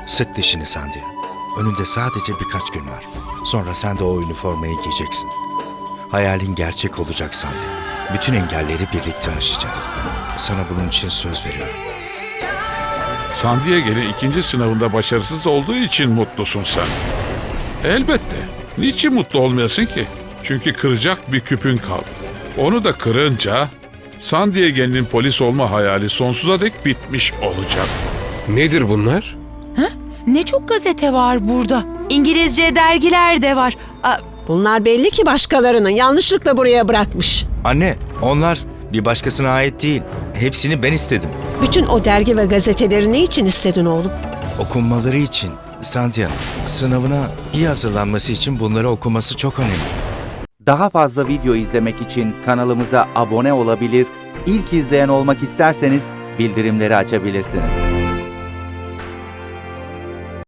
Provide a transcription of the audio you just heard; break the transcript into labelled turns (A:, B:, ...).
A: Sık dişini Sandia. Önünde sadece birkaç gün var. Sonra sen de o üniformayı giyeceksin. Hayalin gerçek olacak Sandia. Bütün engelleri birlikte aşacağız. Sana bunun için söz veriyorum.
B: San Diego'nun ikinci sınavında başarısız olduğu için mutlusun sen. Elbette. Niçin mutlu olmayasın ki? Çünkü kıracak bir küpün kaldı. Onu da kırınca San Diego'nun polis olma hayali sonsuza dek bitmiş olacak.
C: Nedir bunlar?
D: Ne çok gazete var burada. İngilizce dergiler de var.
E: Bunlar belli ki başkalarının yanlışlıkla buraya bırakmış.
A: Anne, onlar bir başkasına ait değil. Hepsini ben istedim.
E: Bütün o dergi ve gazeteleri ne için istedin oğlum?
A: Okunmaları için. Sandia, sınavına iyi hazırlanması için bunları okuması çok önemli.
F: Daha fazla video izlemek için kanalımıza abone olabilir, ilk izleyen olmak isterseniz bildirimleri açabilirsiniz.